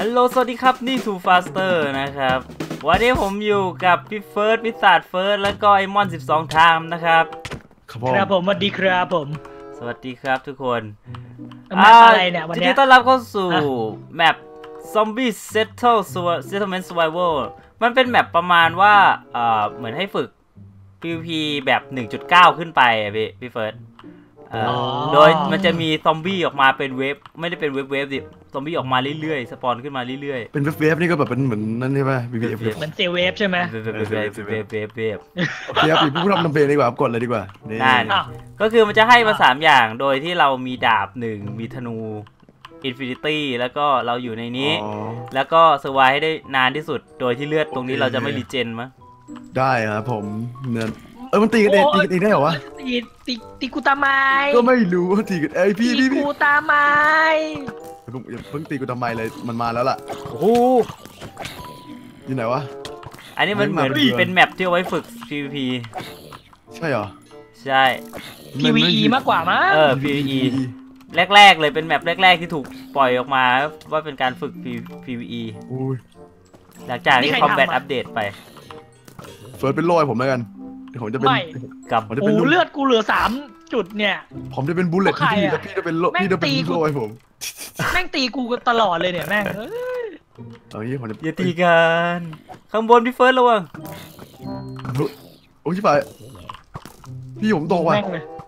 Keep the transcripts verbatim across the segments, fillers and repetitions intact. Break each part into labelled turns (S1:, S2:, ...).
S1: ฮัลโหลสวัสดีครับนี่ทูฟาสเตอร์นะครับวันนี้ผมอยู่กับพี่เฟิร์สพิศาจเฟิร์สแล้วก็ไอมอนสิบสองไทม์นะครับ
S2: ครับผมสวัสดีครับผม
S1: สวัสดีครับทุกคน
S2: แมปอะไรเนี่ยวันนี้
S1: ยินดีต้อนรับเข้าสู่แมป Zombie Settle Settlement Survival มันเป็นแมปประมาณว่าเอ่อเหมือนให้ฝึก พี วี พี แบบ หนึ่งจุดเก้า ขึ้นไปอ่ะพี่พี่เฟิร์สโดยมันจะมีซอมบี้ออกมาเป็นเวฟไม่ได้เป็นเวฟเวฟดิซอมบี้ออกมาเรื่อยๆสปอนขึ้นมาเรื่อย
S3: ๆเป็นเวฟเวฟนี่ก็แบบเป็นเหมือนนั่นใช่ไหม บี บี เอฟ
S2: เหมือนเซเวฟใช่ไหม
S1: เวฟเวฟเวฟเวฟเวฟเวฟ
S3: โอเคครับผู้ทำทำเพลงดีกว่ากดเลยดีกว่า
S1: นั่นก็คือมันจะให้มาสามอย่างโดยที่เรามีดาบหนึ่งมีธนูอินฟินิตี้แล้วก็เราอยู่ในนี้แล้วก็เซอร์ไวให้ได้นานที่สุดโดยที่เลือดตรงนี้เราจะไม่รีเจนมั้ย
S3: ได้ครับผมเนื้อเออมันตีกันเองตีกันเองได้เหรอวะ
S2: ตีตีตีกูตาไม้
S3: ก็ไม่รู้ว่าตีกันไอพี่พี่
S2: กูตาไม้
S3: อย่าเพิ่งตีกูทำไมเลยมันมาแล้วล่ะ
S1: โอ้โห
S3: อยู่ไหนวะ
S1: อันนี้มันเหมือนเป็นแมปที่เอาไว้ฝึก พี วี พี
S3: ใช่เหรอ
S1: ใช่
S2: พี วี อี มากกว่ามั้ง
S1: เออ พี วี อี แรกๆเลยเป็นแมปแรกๆที่ถูกปล่อยออกมาว่าเป็นการฝึก พี วี อี หลังจากที่คอมแบทอัปเดตไป
S3: เฟิร์สเป็นโล่ให้ผมแล้วกันผมจะเป็น
S2: กับโอ้เลือดกูเหลือสามจุดเนี่ย
S3: ผมจะเป็นบุลเลตพี่แล้วพี่จะเป็นโล่พี่จะเป็นโล่ให้ผม
S2: แม่งตีกูตลอดเลยเนี่ยแม่ง
S3: เอางี้ผมจะ
S1: อย่าตีกันข้างบนพี่เฟิร์สระวัง
S3: โอ้ยชิบหายพี่ผมโตว่ะ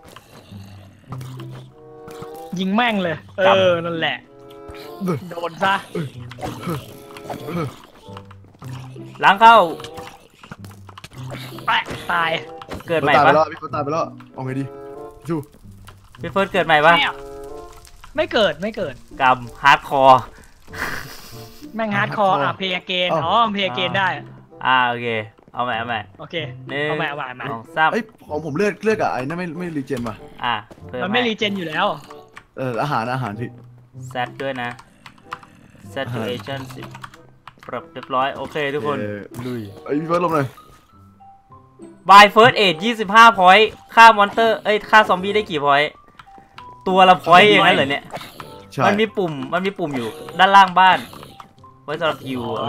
S2: ยิงแม่งเลยเออนั่นแหละโดนซะ
S1: ล้างเข้า
S2: แปะตาย
S1: เกิดใหม่ปะ
S3: พี่เฟิร์สตายไปแล้วเอาไงดีชู
S1: พี่เฟิร์สเกิดใหม่ปะ
S2: ไม่เกิดไม่เกิด
S1: กรรมฮาร์ดคอร์
S2: แม่งฮาร์ดคอร์อ่ะเพย์เกนอ๋อเพย์เกนได้
S1: อ่าโอเคเอาใหม่เอาใหม่
S2: โอเคเอาใหม่เอาใหม่มา
S1: ไอ้
S3: ของผมเลือกเลือกอะไอ้นั่นไม่ไม่รีเจนป่ะ
S1: อ่า
S2: มันไม่รีเจนอยู่แล้ว
S3: เอออาหารอาหารพี่
S1: เซตด้วยนะ saturation สิบปรับเรียบร้อยโอเคทุกคน
S3: ลุยไอ้พี่เฟิร์สลงเลย
S1: by first aid ยี่สิบห้า point ฆ่ามอนเตอร์เอ้ยฆ่าซอมบี้ได้กี่ point ตัวละ point อย่างนั้นเหรอเนี่ยมันมีปุ่มมันมีปุ่มอยู่ด้านล่างบ้านไว้สำหรับฮิว
S2: อ๋อ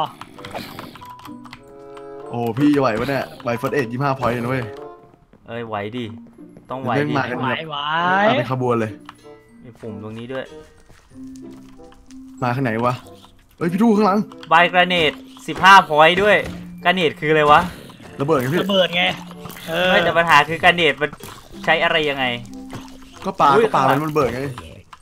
S3: โอ้พี่จะไหวปะเนี่ย by first aid ยี่สิบห้า point นะเว้ย
S1: เอ้ยไหวดิต้องไหวดิ
S2: ไหวไหว
S3: เป็นขบวนเลย
S1: มีปุ่มตรงนี้ด้วย
S3: มาข้างไหนวะเฮ้ยพี่ดูข้างหลัง
S1: by grenade สิบห้า point ด้วย grenade คืออะไรวะ
S3: ระเบิดไงพี่
S2: ระเบิดไง
S1: ไม่แต่ปัญหาคือการเนตมันใช้อะไรยังไง
S3: ก็ปลาก็ปลามันระเบิดไง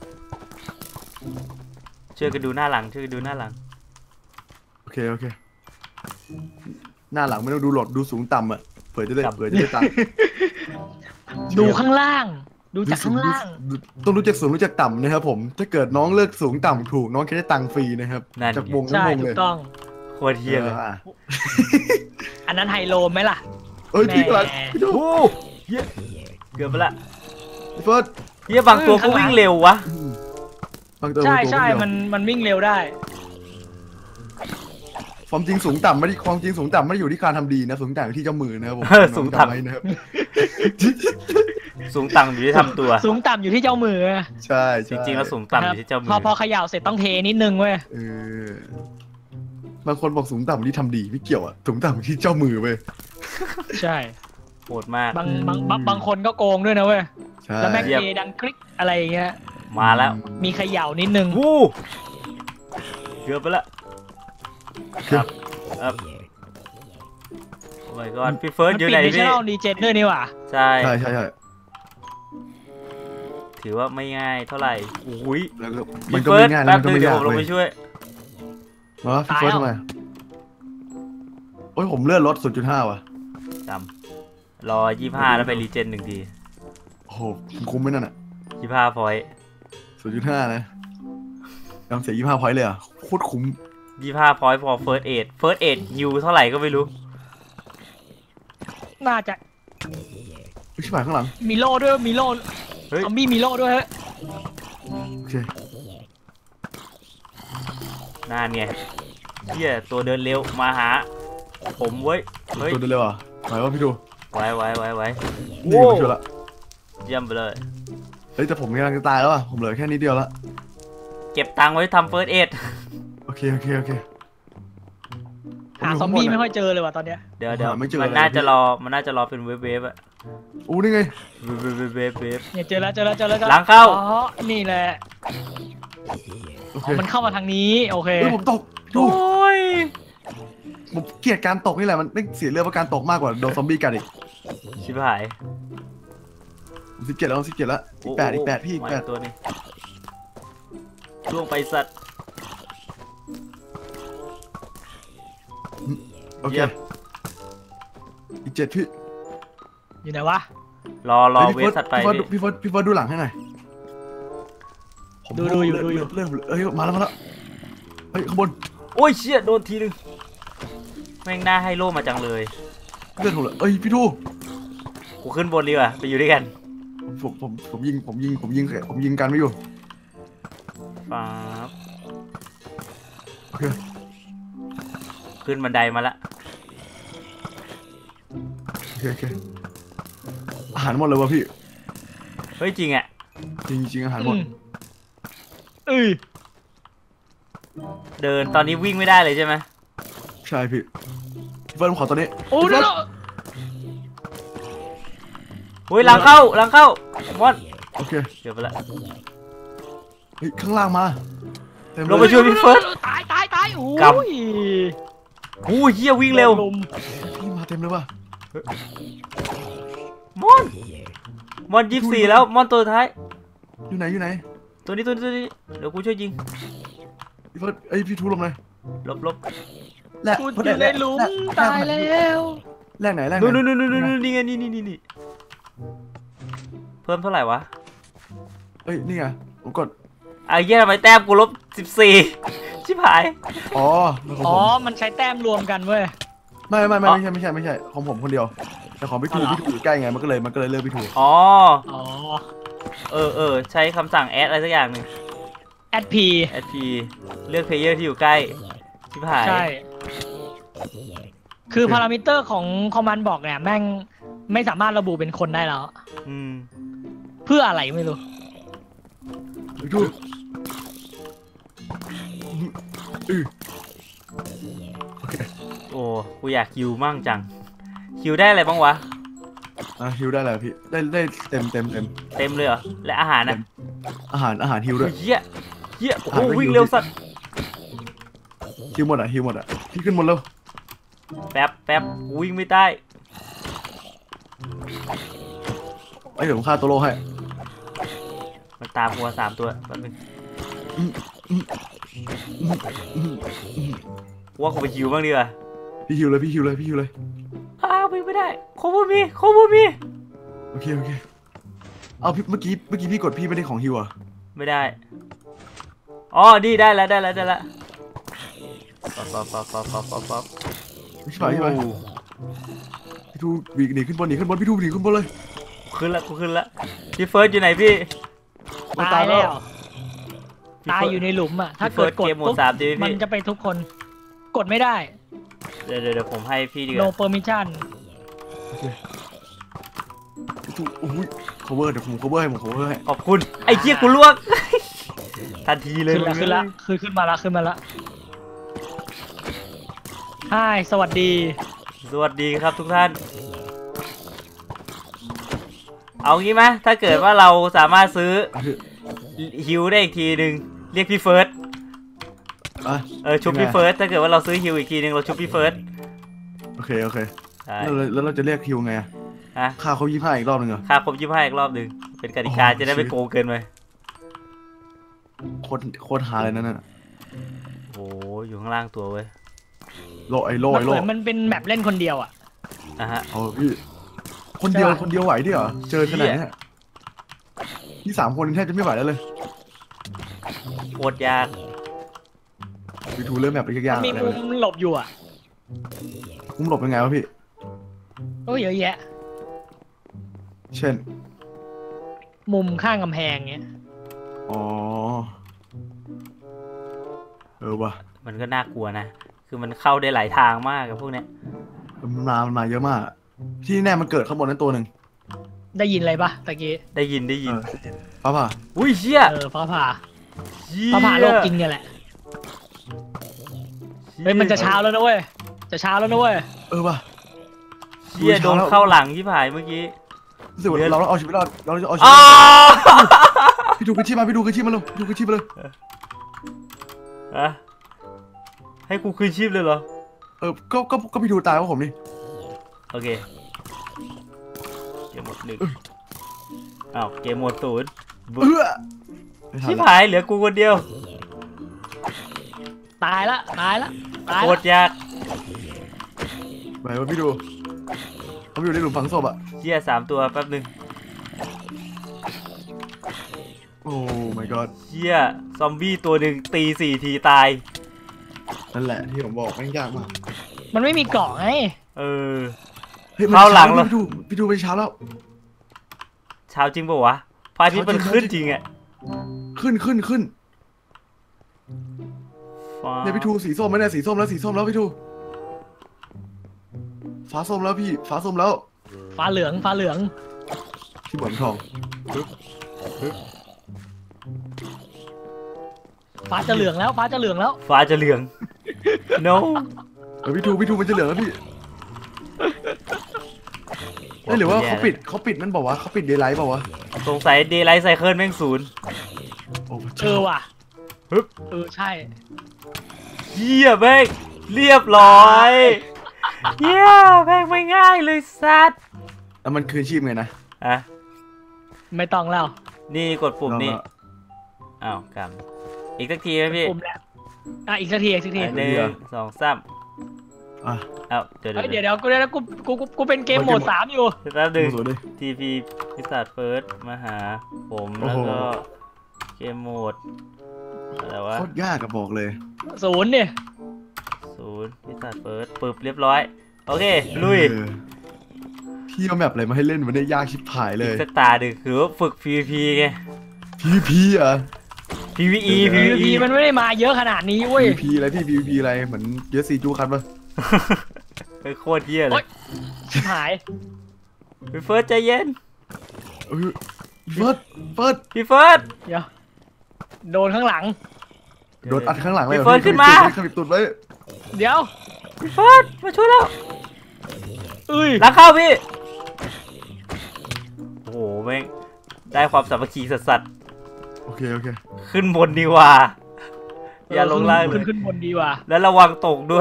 S1: ช่วยกันดูหน้าหลังช่วยกันดูหน้าหลัง
S3: โอเคโอเคหน้าหลังไม่ต้องดูหลอดดูสูงต่ำอ่ะเผื่อจะได้เผื่อจะได้ตังค์
S2: ดูข้างล่างดูจากข้างล่าง
S3: ต้องรู้จักสูงรู้จักต่ำนะครับผมถ้าเกิดน้องเลือกสูงต่ำถูกน้องจะได้ตังค์ฟรีนะครับจากวงทั้งวงเลย
S2: ต้อง
S1: โคตรเฮี้ยเลย
S2: อันนั้นไฮโลไหมล่ะ
S3: เอ้ยพี่กำลังพี่ดู
S1: เฮี้ยเกือบไปละ
S3: พี่เฟิร์ส
S1: เฮี้ยบางตัวก็วิ่งเร็ววะ
S2: ใช่ใช่มันมันวิ่งเร็วได้
S3: ความจริงสูงต่ำไม่ได้ความจริงสูงต่ำไม่ได้อยู่ที่การทำดีนะสูงต่ำอยู่ที่เจ้ามือนะครับผม
S1: สูงต่ำ
S3: นะครับ
S1: สูงต่ำอยู่ที่ทำตัว
S2: สูงต่ำอยู่ที่เจ้ามือ
S3: ใช่
S1: จริงๆแล้วสูงต่ำอยู่ที่เจ้ามือ
S2: พอพอเขย่าเสร็จต้องเทนิดนึงเว้ย
S3: เออบางคนบอกสูงต่ำที่ทำดีไม่เกี่ยวอ่ะสูงต่ำที่เจ้ามือเว้ย
S2: ใช่
S1: โหดมาก
S2: บางบางบางคนก็โกงด้วยนะเว้ยแล้วแม็กเทดังคลิกอะไรอย่างเงี้ย
S1: มาแล้ว
S2: มีเขย่านิดนึง
S1: วู้เกือบไปละครับครับโอ้ my god พี่เฟิร์สอยู่ไหนพี่
S2: มันปิดมิชชั่นดีเจนด้วยนี่หว่า
S1: ใช่
S3: ใช่ใช่ใช่
S1: ถือว่าไม่ง่ายเท่าไหร่อุ้ย
S3: มันก็ไม่ง่าย
S1: แป๊บนึงเดี๋ยวผมลงไปช่วย
S3: มาพี่เฟิร์สทำไมโอ้ยผมเลื่อนรถ ศูนย์จุดห้า ว่ะ
S1: จำรอยี่สิบห้าแล้วไปรีเจนหนึ่งที
S3: โอ้โหคุ้มไหมนั่นอ่ะ
S1: ยี่สิบห้าพอยต์
S3: ศูนย์จุดห้า นะยอมเสียยี่สิบห้าพอยต์เลยอ่ะโคตรคุ้ม
S1: ยี่สิบห้าพอยต์พอ first aid first aid ยูเท่าไหร่ก็ไม่รู้
S2: น่าจะ
S3: ชิบหายข้างหลัง
S2: มีโล่ด้วยมีโล่ซอมบี้มีโล่ด้วยฮะ
S3: โอเค
S1: นั่นไงเฮียตัวเดินเร็วมาหาผมเว้ย
S3: เฮ้ยตัวเดินเร็วอ่ะไหววะพี่ดู
S1: ไว้ไว้ไว้ไว้
S3: นี่มาช่วยละ
S1: เยี่ยมไปเลย
S3: เฮ้ยแต่ผมกำลังจะตายแล้วอ่ะผมเหลือแค่นิดเดียวละ
S1: เก็บตังค์ไว้ทำ first aid
S3: โอเคเคโอเคโอเค
S2: หาซอมบี้ไม่ค่อยเจอเลยว่ะตอนเนี้ย
S1: เดี๋ยวเดี๋ยว
S3: หาไม่เจอ
S1: มัน
S3: เลย
S1: น่าจะ
S3: พี่
S1: รอมันน่าจะรอเป็นเวฟเวฟอะ
S3: อู้นี่ไง
S1: เวฟเวฟเวฟเวฟเวฟ
S2: เนี่ยเจอแล้วเจอแล้วเจอแล้ว
S1: หลังเข้า
S2: อ๋อนี่แหละ
S3: โอเค
S2: อ๋อมันเข้ามาทางนี้โอเค
S3: เฮ้ยผมตกดู
S1: โอ้ย
S3: ผมเกลียดการตกนี่แหละมันไม่เสียเรื่องเพราะการตกมากกว่าโดนซอมบี้กัดอีก
S1: ชิบหาย
S3: ผมสิบเจ็ดแล้วสิบเจ็ดแล้วอีกแปดอีกแปดพี่อีก
S1: มา
S3: แปด
S1: ตัวนี้ล่วงไปสัตว์
S3: โอเค
S1: เยี่ยม
S3: อีกเจ็ดพี่
S2: อยู่ไหนวะ
S1: รอรอ
S3: ฮ้ย
S1: เว
S3: พี่
S1: ฟสัตว์ไป
S3: พี่เฟิร์ส
S1: พี่
S3: พี่เฟิร์สพี่เฟิร์สดูหลังให้หน่อยผม
S2: ดูดูอยู่ดูอยู่
S3: เริ่มเอ้ยมาแล้วมาแล้วเฮ้ยข้างบน
S1: โอ้ยเชี่ยโดนทีนึงแม่งน่าให้โล่มาจังเลย
S3: เลือดผมเลยเอ้ยพี่ทู
S1: กูขึ้นบนดีกว่าไปอยู่ด้วยกัน
S3: ผมผมผมยิงผมยิงผมยิงผมยิงกันไม่อยู่
S1: ป๊าบ
S3: โอเค
S1: ขึ้นบันไดมาละ
S3: โอเคโอเคอาหารหมดเลยวะพี่
S1: เฮ้ยจริงอะ
S3: จริงจริงอาหารหมด
S2: อืมเอ้ย
S1: เดินตอนนี้วิ่งไม่ได้เลยใช่ไหม
S3: ใช่พี่พี่เฟิร์นขอตัวนี้
S2: โอ้
S3: พี่
S2: เดี๋
S3: เฟิ
S2: ย
S3: ร์
S2: วน
S1: โอ้ยหลังเข้าหลังเข้ามอน
S3: โอเค
S1: เดี๋ยวไปละ
S3: เฮ้ยข้างล่างมาเต็ม
S1: ลง
S3: เล
S1: ไป
S3: ย
S1: ช่วยพี่เฟิร์ส
S2: ตายตายตายโอ้
S1: กลับ
S2: ย
S1: โอ้ยเฮียวิ่งเร็ว
S2: ลุม
S3: พี่มาเต็มเลยว่ะ
S1: มอนมอนยี่สิบสี่แล้วมอนตัวท้าย
S3: อยู่ไหนอยู่ไหน
S1: ตัวนี้ตัวนี้ตัวนี้เดี๋ยวกูช่วยยิง
S3: พี่เฟิร์นเอ้ยพี่ทูลงเลย
S1: ลบลบ
S3: แลก
S2: กูอยู่ในหลุมตายแล้ว
S3: แลกไหนแลกไห
S1: นู่น
S3: น
S1: นู่นนู่นนู่นนู่นนี่ไงนี่นี่นี่นี่เพิ่มเท่าไหร่วะ
S3: เอ้ยนี่ไงผมกด
S1: ไอ้เหี้ยทำไมแต้มกูลบสิบสี่ชิบหาย
S3: อ๋อแล้วของ
S2: อ๋
S3: ผ
S2: อ
S3: ม
S2: มันใช้แต้มรวมกันเว้ย
S3: ไม่ไม่ไม่
S1: อ๋อ
S3: ไม่ใช่ไม่ใช่ไม่ใช่ของผมคนเดียวแต่ของพี่ทู
S2: อ๋อเหรอ
S3: พี่ทูอยู่ใกล้ไงมันก็เลยมันก็เลยเลือกพี่ทู
S1: อ๋อ
S2: อ๋อ
S1: เออเออใช้คำสั่งแอดอะไรสักอย่างหนึ่ง
S2: แอดพี
S1: แอดพีเลือกเพลเยอร์ที่อยู่ใกล้ชิบหาย
S2: ใช่ คือพารามิเตอร์ของคอมมานด์บอกเนี่ยแม่งไม่สามารถระบุเป็นคนได้แล้ว
S1: อืม
S2: เพื่ออะไรไม่รู้
S3: พี่ทูอือ
S1: โอ้กูอยากคิวมั่งจังคิวได้อะไรบ้างวะ
S3: อ่ะฮิวได้แล้วพี่ได้ได้เต็มเต็มเต็ม
S1: เต็มเลยเหรอและอาหารนะ
S3: อาหารอาหารฮิวด้วย
S1: เฮียเฮียโอ้โห
S3: อาหารไม่
S1: วิ่ง
S3: หิว
S1: เร็วสัตว์
S3: ฮิวหมดอ่ะฮิวหมดอ่ะพี่ขึ้นหมดแล้ว
S1: แป๊บแป๊บกูวิ่งไม่ได้
S3: ไอ้เดี๋ยวผมฆ่าตัวโลให้
S1: มันตามหัวสามตัวแป๊บนึง
S3: อืมอืมอืมอืมอืม
S1: กูว่ากูไปคิวบ้างดีกว่า
S3: พี่ฮิวเลยพี่ฮิวเลยพี่ฮิวเลย
S1: อ้าววิ่งไม่ได้โคบูมีโคบูมี
S3: โอเคโอเคเอาพี่เมื่อกี้เมื่อกี้พี่กดพี่ไม่ได้ของฮิวอ่ะ
S1: ไม่ได้อ๋อดีได้แล้วได้แล้วได้แล้วป๊อปป๊อปป๊อปป๊อปป๊อปป๊อปป๊อป
S3: พี่ไปพี่ไป
S1: โอ้
S3: พี่ทูหนีหนีขึ้นบนหนีขึ้นบนพี่ทูหนีขึ้นบนเลย
S1: ขึ้นละกูขึ้นละพี่เฟิร์สอยู่ไหนพี่
S3: มัน
S2: ตายแล้ว
S1: พี่
S2: ตาย
S1: เฟิร์ส
S2: อยู่ในหลุมอ่ะ ถ้า
S1: พี่เฟิ
S2: เกิ
S1: ร์
S2: ด
S1: ส
S2: กด
S1: เกมโหมด
S2: ปุ๊บ
S1: สามดี
S2: มัน
S1: พี่
S2: จะไปทุกคน กดไม่ได้
S1: เดี๋ยวเดี๋ยวเดี๋ยวผมให้พี่ดีก
S2: no
S1: ว่า
S2: permission
S3: พี่ทูโอ้ย cover เดี๋ยวผม cover ให้ผม cover ให้
S1: ขอบคุณไอ้เหี้ยกูลวก ทันทีเลย
S2: ขึ้นละขึ้นละคือขึ้นมาละขึ้นมาละฮายสวัสดี
S1: สวัสดีครับทุกท่าน เอางี้ไหมถ้าเกิดว่าเราสามารถซื้อ
S3: อ่ะพี่
S1: ฮิวได้อีกทีหนึ่งเรียกพี่เฟิร์ส
S3: อ่ะ
S1: เออชุบพี่เฟิร์สถ้าเกิดว่าเราซื้อฮิวอีกทีหนึ่งเราชุบพี่เฟิร์ส
S3: โอเคโอเค
S1: ใช่
S3: แล้วเราแล้วเราจะเรียกฮิวไงอะ
S1: ฮะ
S3: ค่าเขายี่ห้าอีกรอบหนึงเหรอ
S1: ค่าครบยี่สิบห้าอีกรอบหนึ่งเป็นกติกา
S3: โอ้
S1: จะได้ไม่
S3: ชิ
S1: โกงเกินไป
S3: โคตรโคตรหาเลยนั่นน่ะ
S1: โอ้อยู่ข้างล่างตัวเว้ย
S3: โลไอโล
S2: มัน
S3: ไอ
S2: เห
S3: โล
S2: มือนมันเป็นแมปเล่นคนเดียวอ่ะ
S1: อ่ะฮะ
S3: โอ้พี่คนเดียว
S2: ใช่ปะ
S3: คนเดียวไหวดิเหรอเจอขนาด
S1: เหี้
S3: เนี้
S1: ย
S3: ยที่สามคนแทบจะไม่ไหวแล้วเลย
S1: โคตรยาก
S3: พี่ทูเริ่มแบบไปยากๆ
S2: มี
S3: อะไร
S2: มุ
S3: เลย
S2: มหลบอยู่อ่ะ
S3: มุมหลบยังไงวะพี่
S2: ก็เยอะแยะ
S3: เช่น
S2: มุมข้างกำแพงเงี้ย
S3: อ๋อเออว่ะ
S1: มันก็น่ากลัวนะ คือมันเข้าได้หลายทางมากกับพวกเนี้ย
S3: มันมามันมาเยอะมากอะที่แน่มันเกิดข้างบนนั้นตัวหนึ่ง
S2: ได้ยินอะไรปะตะกี้
S1: ได้ยินได้ยิน
S3: เออป้าป่ะ
S1: อุ้ยเชี่ย
S2: เออฟ้าผ่า
S1: เชี่ย
S2: ฟ้าผ่าโลกจริงเนี่ยแหละเฮ้ยมันจะเช้าแล้วนะเว้ยจะเช้าแล้วนะเว้ย
S3: เออว่ะ
S1: เชี่ยโดนเข้าหลังที่ผายเมื่อกี้
S3: รู้สึกว่าเราต้องเอาชีวิตรอดเราจะเอาชีวิ
S1: อ้า
S3: ตรอดพี่ดูกระชีพมาพี่ดูกระชีพมาเลยดูกระชีพมาเลย
S1: อะให้กูคืนชีพเลยเหรอ
S3: เออก็ก็ก็พี่ดูตายว่าผมนี่
S1: โอเคเกมหมดหนึ่งอ้าวเกมหมดศูนย์
S3: เออ
S1: ชิบหายเหลือกูคนเดียว
S2: ตายละตายละตาย
S1: โค
S2: ละ
S1: ตรยาก
S3: ไปว่าพี่ดูเขาอยู่ในหลุมฝังศพอ่ะ
S1: เชี่ยสามตัวแป๊บหนึ่ง
S3: โอ้ my god
S1: เชี่ยซอมบี้ตัวหนึ่งตีสี่ทีตาย
S3: นั่นแหละที่ผมบอกแม่งยากมาก
S2: มันไม่มีเกาะไง
S1: เออ
S3: เฮ้ย
S1: เข้าหลัง
S3: แล้
S1: แล้ว ว
S3: พี่ดูพี่ดูไปเช้าแล้ว
S1: เช้าจริงป่าวะพระอาทิตย์มันขึ้นจริงอะ
S3: ขึ้นขึ้นขึ้น
S1: ฟ้า
S3: เนี่ยพี่ทูสีส้มไหมเนี่ยสีส้มแล้วสีส้มแล้วพี่ทูฟ้าส้มแล้วพี่ฟ้าส้มแล้ว
S2: ฟ้าเหลืองฟ้าเหลือง
S3: ที่เหมือนทอง
S2: ฟ้าจะเหลืองแล้วฟ้าจะเหลืองแล้ว
S1: ฟ้าจะเหลือง no
S3: เออพี่ทูพี่ทูมันจะเหลืองแล้วพี่เอ้ยหรือว่าเขาปิดเขาปิดนั่นบอกว่าเขาปิดเดย์ไลท์บอกว่า
S1: สงสัยเดย์ไลท์ไซเคิลแม่งศูนย์
S3: โอ้พระ
S2: เอ
S3: เจ้า
S2: อว่ะ
S1: ฮึบ
S2: เออใช่
S1: เยี่ยแม่งเรียบร้อยเยี่ยแม่งไม่ง่ายเลยสัตว์
S3: แล้วมันคืนชีพไงนะ
S1: อ่ะ
S2: ไม่ต้องแล้ว
S1: นี่กดปุ่มนี่
S3: ลองละ
S1: อ้าวกำอีกสักทีไหมพี่
S2: ปุ่มแล้วอ่ะอีกสักทีอีกสักที
S1: อันหนึ่งสองสาม
S3: อ่ะ
S1: เอ้าเดี๋ยว
S2: เฮ้ย
S1: เดี๋
S2: เดี๋
S1: ย
S2: ยว วเดี๋ยวกูเดี๋ยวกูกูกูกูเป็นเกมโหมดสามอยู่
S1: แป๊บหนึ่ง
S3: สวยดิ
S1: ทีพีพิศาจเฟิร์สมาหาผม
S3: โอ้
S1: แล้ว
S3: โห
S1: ก็เกมโหมดอะไรวะ
S3: โคตรยากกับบอกเลย
S2: ศูนย์เนี่ย
S1: ศูนย์พิศาจเฟิร์สปึ๊บเรียบร้อย โอเค ลุย
S3: เออพี่เอาแมปอะไรมาให้เล่นมันได้ยากชิบหายเล
S1: อีก
S3: ย
S1: สตาร์หนึ่งคือว่าฝึก พี วี พี ไง
S3: พีพีอ่ะ
S1: พี วี อี
S3: เออ
S1: พี
S2: พี
S1: วี
S2: พี
S1: อี
S2: มันไม่ได้มาเยอะขนาดนี้เว้ย
S3: พีพีอะไรพี่พีพีอะไรเหมือนเยสซีจูคันปะ
S1: เป็นโคตรเยี่ยเล
S2: โอ๊
S1: ย
S2: ย ชิบหาย
S1: พี่เฟิร์สใจเย็น
S3: เออเฟิร์สเฟิร์ส
S1: พี่เฟิร์ส
S2: เดี๋ยวโดนข้างหลัง
S3: โดนอัดข้างหลังเลยหรอ
S1: พี่เฟิร์สขึ้นมา
S3: ขมิบตุดไว้
S2: เดี๋ยว
S1: พี่เฟิร์สมาช่วยแล้ว
S2: เอ้ย
S1: หลังเข้าพี่ โอ้โหแม่งได้ความสามัคคีสัส
S3: โอเคโอเค
S1: ๆขึ้นบนดีกว่า อย่าลงล่างเล
S2: ขึ้น
S1: ย
S2: ขึ้นบนดีว่ะ
S1: แล้วระวังตกด้วย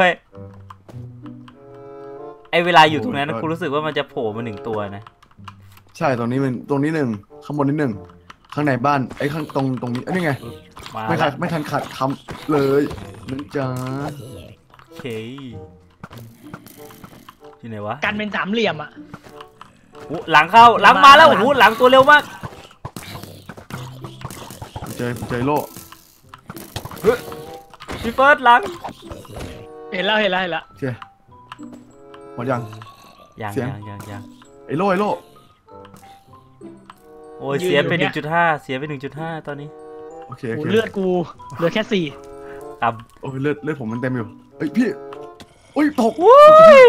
S1: ไอเวลาอยู่ตรงนั้นกูรู้สึกว่ามันจะโผล่มาหนึ่งตัวนะ
S3: ใช่ตรงนี้มันตรงนี้หนึ่งข้างบนนี้หนึ่งข้างในบ้านไอ้ข้างตรงตรงนี้ไอ้นี่ไง
S1: มา
S3: ไม่ทั
S1: แล้
S3: น
S1: ว
S3: ไม่ทันขัดคำเลยนั่นจ้า
S1: โอเคที่ไหนวะ
S2: กันเป็นสามเหลี่ยมอ่ะ
S1: โอ้หลังเข้าหลังมาแล้วโอ้โหหลังตัวเร็วมาก
S3: ผมเจอผมเจอโล่
S1: พี่เฟิร์สหลัง
S2: เห็นแล้วเห็นแล้วเห็นแล้ว
S3: โอเคหมดยัง
S1: ยัง
S3: เสียง
S1: ยังยังยัง
S3: ไอ้โล่ไอ้โล่
S1: โอ้ยเสียไปหนึ่งจุดห้าเสียไปหนึ่งจุดห้าตอนนี้
S3: โอเค
S2: โอ้
S3: โอเค
S2: เลือดกูเหลือแค่สี่
S1: ต่
S3: โอ้ยเลือดเลือดผมมันเต็มอยู่เฮ้ยพี่โอ้ยตก
S1: ำวุ้ย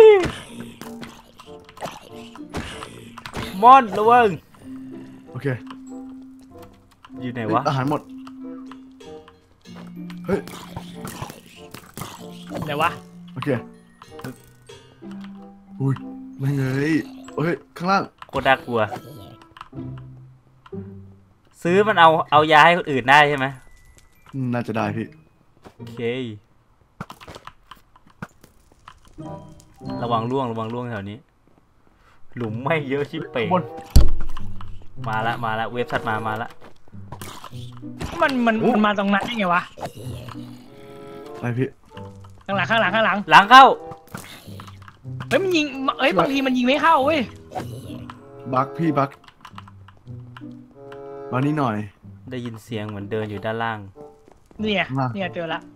S1: มอนระวัง
S3: โอเค
S1: อยู่ไหน
S3: เฮ้ยว
S1: ะ
S3: อาหารหมดเฮ้ย
S2: ไหนวะ
S3: โอเคอุ้ยไม่เงยเฮ้ยข้างล่าง
S1: โคตรน่ากลัว ซื้อมันเอาเอายาให้คนอื่นได้ใช่ไหม
S3: น่าจะได้พี่
S1: โอเค ระวังล่วงระวังล่วงแถวนี้ หลุมไม่เยอะชิบเป๋ง
S3: บน
S1: มาละมาละเว็บถัดมามาละ
S2: มันมันมันมาตรงนั้นได้ไงวะ
S3: อะไรพี่
S2: ข้างหลังข้างหลังข้างหลัง
S1: หลังเข้า
S2: เฮ้ยมันยิงเฮ้ยบางทีมันยิงไม่เข้าเว้ย
S3: บักพี่บักมานี่หน่อย
S1: ได้ยินเสียงเหมือนเดินอยู่ด้านล่าง
S2: เนี่ย
S3: มา
S2: เนี่ยเจอละ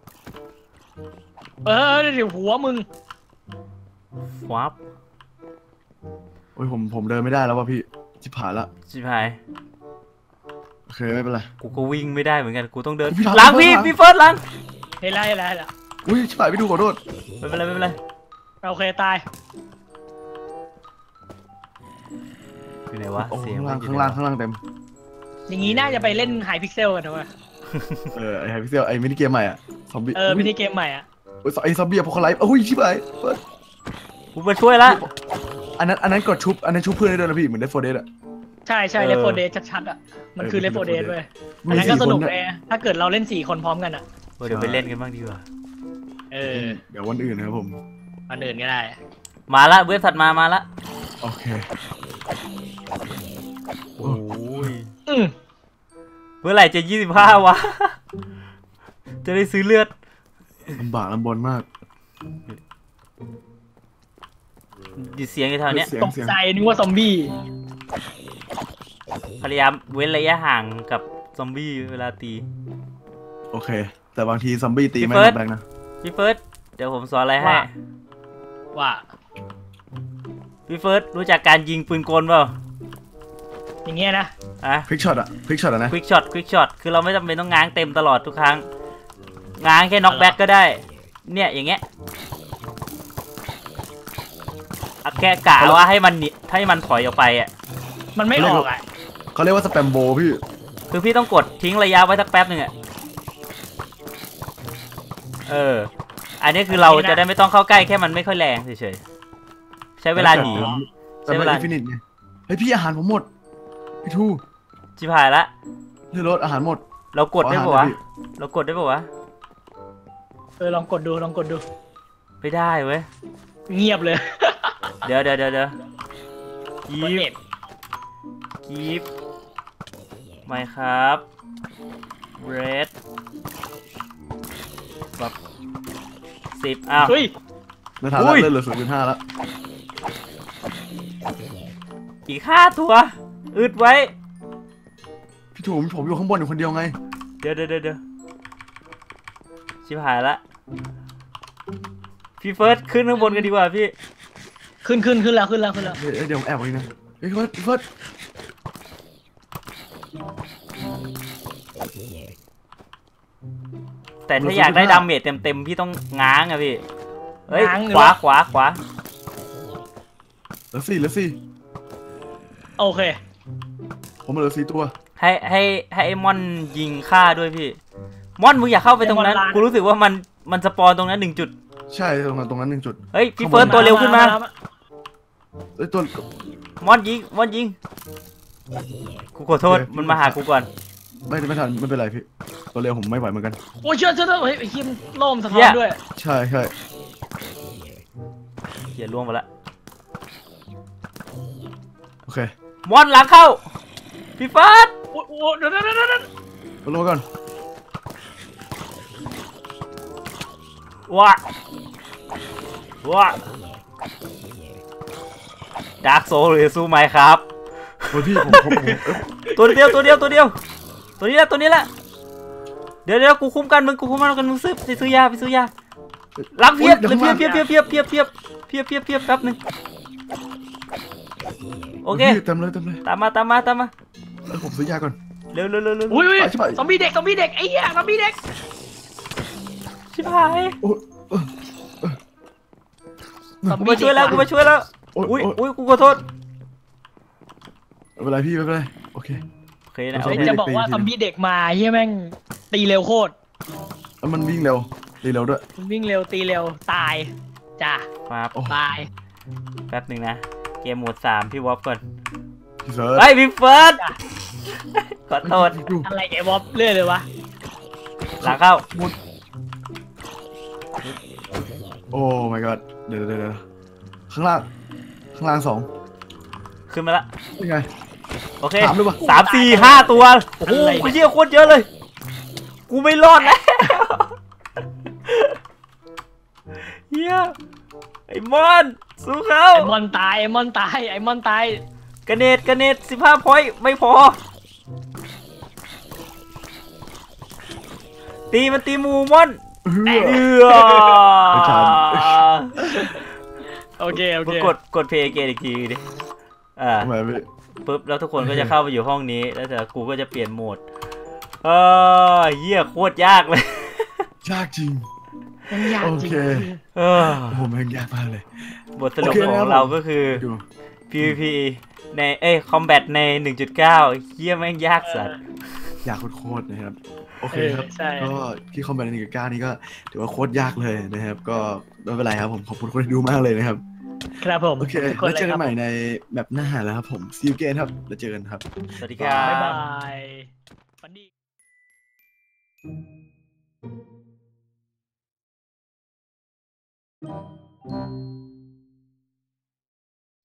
S2: เออเดี๋ยวหัวมึง
S1: วับ
S3: โอ้ยผมผมเดินไม่ได้แล้วว่ะพี่ชิบหายละ
S1: ชิบหาย
S3: โอเคไม่เป็นไร
S1: กูก็วิ่งไม่ได้เหมือนกัน กูต้องเดิน
S3: พี่หลัง
S1: หลังพี่
S3: หลัง
S1: พี่เฟิร์สหลัง
S2: เห็นแล้วเห็นแล้วเห็นแล้ว
S3: อุ้ยชิบหายพี่ดูขอโทษ
S1: ไม่เป็นไรไม่เป็นไร
S2: โอเคตาย
S1: อยู่ไหนวะ
S3: โอ้
S1: เสียง
S3: ข้างล่าง
S1: อยู่
S3: ข้าง
S1: ไหน
S3: ล่าง
S1: วะ
S3: ข้างล่างเต็ม
S2: อย่างงี้น่าจะไปเล่นไฮพิกเซลกันนะเว้ย
S3: เออไอไฮพิเซลไอมินิเกมใหม่อ่ะซอมบี้
S2: เออมินิเกมใหม่อ่ะ
S3: ไอ้ซอมบี้พวกเขาไลฟ์โอ้ยชิบหายเฟิร์ส
S1: กูมาช่วยละ
S3: อันนั้นอันนั้นกดชุบอันนั้นชุบเพื่อนได้ด้วยนะพี่เหมือนได้โฟเดสอะ
S2: ใช่ใช่
S1: เออ
S2: เลฟโฟเดสชัดๆอ่ะมันคือ
S3: เออ
S2: เลฟโฟเดส
S3: Left
S2: เว้ย
S3: มี
S2: อันนั้นก็
S3: สี่
S2: สนุก
S3: คน
S2: เลยถ้าเกิดเราเล่นสี่คนพร้อมกันอ่ะ
S1: เดี๋ยวไปเล่นกันบ้างดีกว่า
S2: เออ
S3: เดี๋ยววันอื่นนะครับผม
S2: อันอื่นก็ได้
S1: มาละเว็บถัดมามาละ
S3: โอเค
S1: โอ้ย
S2: อืม
S1: เมื่อไหร่จะยี่สิบห้าวะ จะได้ซื้อเลือด
S3: ลำบากลำบนมาก
S1: ดิเสียงอยู่แถวเนี้ย
S3: เสียง
S2: ตก
S3: เสียง
S2: ใจนึกว่าซอมบี้
S1: พยายามเว้นระยะห่างกับซอมบี้เวลาตี
S3: โอเค แต่บางทีซอมบี้ตี
S1: พี่
S3: ไม่
S1: เฟิร์ส
S3: แบงนะ
S1: พี่เฟิร์สเดี๋ยวผมสอนอะไรให้
S2: ว่า ว่า
S1: พี่เฟิร์สรู้จักการยิงปืนกลเปล่า
S2: อย่างเงี้ยนะ
S1: อะ
S3: พลิกช็อตอะพลิกช็อตอะนะ
S1: ควิกช็อตควิกช็อตคือเราไม่จำเป็นต้องง้างเต็มตลอดทุกครั้ง ง้างแค่น็อกแบ็กก็ได้ เนี่ยอย่างเงี้ยอะแค่กะว่าให้มันหนีให้มันถอยออกไปอ่ะ
S2: มันไม่ออกอ่ะ
S3: เขาเรียกว่าสแปมโบพี่
S1: คือพี่ต้องกดทิ้งระยะไว้สักแป๊บหนึ่งอ่ะ เออ อันนี้คือเราจะได้ไม่ต้องเข้าใกล้แค่มันไม่ค่อยแรงเฉยๆ ใช้เวลาหนี
S3: แต่เป็นอินฟินิตไงเฮ้ยพี่อาหารผมหมดพี่ทู
S1: ชิบหายละ
S3: เรือรถอาหารหมด
S1: เรากดได้ปะวะ เรากดได้ปะวะ
S2: เออลองกดดูลองกดดู
S1: ไม่ได้เว้ย
S2: เงียบเลย
S1: เดี๋ยวเดี๋ยวเดี๋ยวเดี๋ยวกี
S2: กด
S1: ฟ
S2: เน็ต
S1: กีฟไม่ครับเรดแบบสิบอ้าว
S2: เฮ้ย
S3: ในฐานะ
S1: อุ้ย
S3: เลือดเหลือศูนย์จุดห้าแล้ว
S1: อีกห้าตัวอึดไว้
S3: พี่ทูผมผมอยู่ข้างบนอยู่คนเดียวไง
S1: เดี๋ยวเดี๋ยวเดี๋ยวเดี๋ยวชิบหายละพี่เฟิร์สขึ้นข้างบนกันดีกว่าพี่
S2: ขึ้นขึ้นขึ้นแล้วขึ้นแล้วขึ้นแล้ว
S3: เฮ้ยเดี๋ยวผมแอบไว้นะเฮ้ยเฟิร์สเฟิร์ส
S1: แต่ถ้าอยากได้ดาเมจเต็มๆพี่ต้องง้างอะพี่เฮ้ย
S2: ง้างหรือ
S1: ขวา
S2: ว่า
S1: ขวาขวา
S3: เหลือสี่เหลือสี่
S2: โอเค
S3: ผมเหลือสี่ตัว
S1: ให้ให้ให้ไอ้มอนยิงฆ่าด้วยพี่มอนมึงอย่าเข้าไปตรงนั้น
S2: ไอ้มอนลาน
S1: กูรู้สึกว่ามันมันสปอนตรงนั้นหนึ่งจุด
S3: ใช่ตรงนั้นตรงนั้นหนึ่งจุด
S1: เฮ้ยพี่เฟิร์สตัวเร็วขึ้นมา
S3: เอ้ยตัว
S1: มอนยิงมอนยิงกูขอโทษ
S3: โอเค
S1: มันมาหากูก่อน
S3: ไม่ไม่ทันไม่เป็นไรพี่ตัวเร็วผมไม่ไหวเหมือนกัน
S2: โอ้ยเชื่อเชื่อเชื่อเฮ้ยไอ้คิมโล่มสะท้อนด้วย
S3: ใช่ใช่
S1: เหี้ยล่วงไปละ
S3: โอเค
S1: มอนหลังเข้าพี่เฟิร์ส
S2: โอ้โหเดี๋ยวเดี๋ยวเดี๋ยวเดี๋ยว
S3: มาลงมาก่อน
S1: ว้าว้าดาร์กโซลหรือสู้ไหมครับ
S3: โอ้ยพี่ผมผมผมเอ้ย
S1: ตัวเดียวตัวเดียวตัวเดียวตัวนี้แหละตัวนี้แหละเดี๋ยวเดี๋ยวกูคุ้มกันมึงกูคุ้มกันกันมึงซื้อไปซื้อยาไปซื้อยาล้างเพียบเพียบเพียบเพียบเพียบเพียบเพียบเพียบเพียบเพียบแป๊บนึงโอเค
S3: พี่เต็มเลยเต็มเลย
S1: ตามมาตามมาตามมา
S3: เอ้ยผมซื้อยาก่อน
S1: เร็วเร็วเร็วเร็ว
S2: อุ้ยอุ้ย
S3: ไปชิบหาย
S2: ซอมบี้เด็กซอมบี้เด็กไอ้เหี้ยซอมบี้เด็ก
S1: ชิบหาย
S3: โอ้ยเอ้ย
S2: ซอม
S1: กู
S2: บี้
S1: มาช่วยแล้วกูมาช่วยแล้ว
S3: โอ้ย
S1: อุ้ย
S3: โอ้ย
S1: อุ้ยกูขอโทษ
S3: ไม่เป็นไรพี่ไม่เป็นไรโอเค
S1: โอเคนะ
S3: ซอ
S2: เฮ้
S3: ม
S2: ย
S3: บี้
S2: จะบอกว่าซอมบี้เด็กมาเฮียแม่งตีเร็วโคตร
S3: แล้วมันวิ่งเร็วตีเร็วด้วย
S2: วิ่งเร็วตีเร็วตายจ้า
S1: มา
S3: โอ้
S2: ตาย
S1: แป๊บนึงนะเกมโหมดสามพี่วอฟก่อน
S3: พี่เฟิร์ส
S1: เฮ้ยพี่เฟิร์สขอโทษ
S3: ดู
S2: อะไรแกวอปเรื่อยเลยวะ
S1: หลังเข้า
S3: มุดโอ้ my god เดี๋ยวเดี๋ยวเดี๋ยวข้างล่างข้างล่างสอง
S1: ขึ้นมาละ
S3: ยังไง
S1: โอเค
S3: ถามด้วยปะ
S1: สามสี่ห้าตัวโอ้โหกูเยี่ยโคตรเยอะเลย กูไม่รอดแล้วเฮียไอ้มอนสู้เขา
S2: ไอมอนตายไอมอนตายไอมอนตาย
S1: กระเนตกระเนตสิบห้าพอยต์ไม่พอ ตีมันตีหมูมอน
S3: เฮือ
S1: เอือ
S3: ไม่ทัน
S2: โอเคโอ
S1: มึ
S2: เค
S1: งกดกดเพย์เกมอีกทีดิอ่า
S3: ทำไมพี่
S1: ปุ๊บแล้วทุกคนก็จะเข้าไปอยู่ห้องนี้แล้วแต่กูก็จะเปลี่ยนโหมดเออเหี้ยโคตรยากเลย
S3: ยากจริง
S2: มันยาก
S3: โอ
S2: จริง
S3: เค
S1: เออ
S3: โอ้โหแม่งยากมากเลย
S1: บทสรุป
S3: โอเค
S1: ข
S3: ครั
S1: อง
S3: บ
S1: เราก็คือ
S3: ดู
S1: พี วี พี ในเอ้ยคอมแบทใน หนึ่งจุดเก้า เหี้ยแม่งยากสัส
S3: ยากโคตรๆนะครับโอเคครับ
S2: เออใช่
S3: ก็ที่คอมเมนต์หนึ่งกับเก้านี่ก็ถือว่าโคตรยากเลยนะครับ ก็ไม่เป็นไรครับผมขอบคุณคนที่ดูมากเลยนะครับ
S2: ครับผม
S3: โอเค
S2: ทุกคน
S3: แล้ว
S2: เล
S3: เจ
S2: ย
S3: อ
S2: ค
S3: กั
S2: รั
S3: น
S2: บ
S3: ใหม่
S2: ผม
S3: ในแบบหน้าแล้วครับผม see you again ครับแล้วเจอกันครับ
S1: สวัสดีครับ
S2: บ๊ายบายฝันดี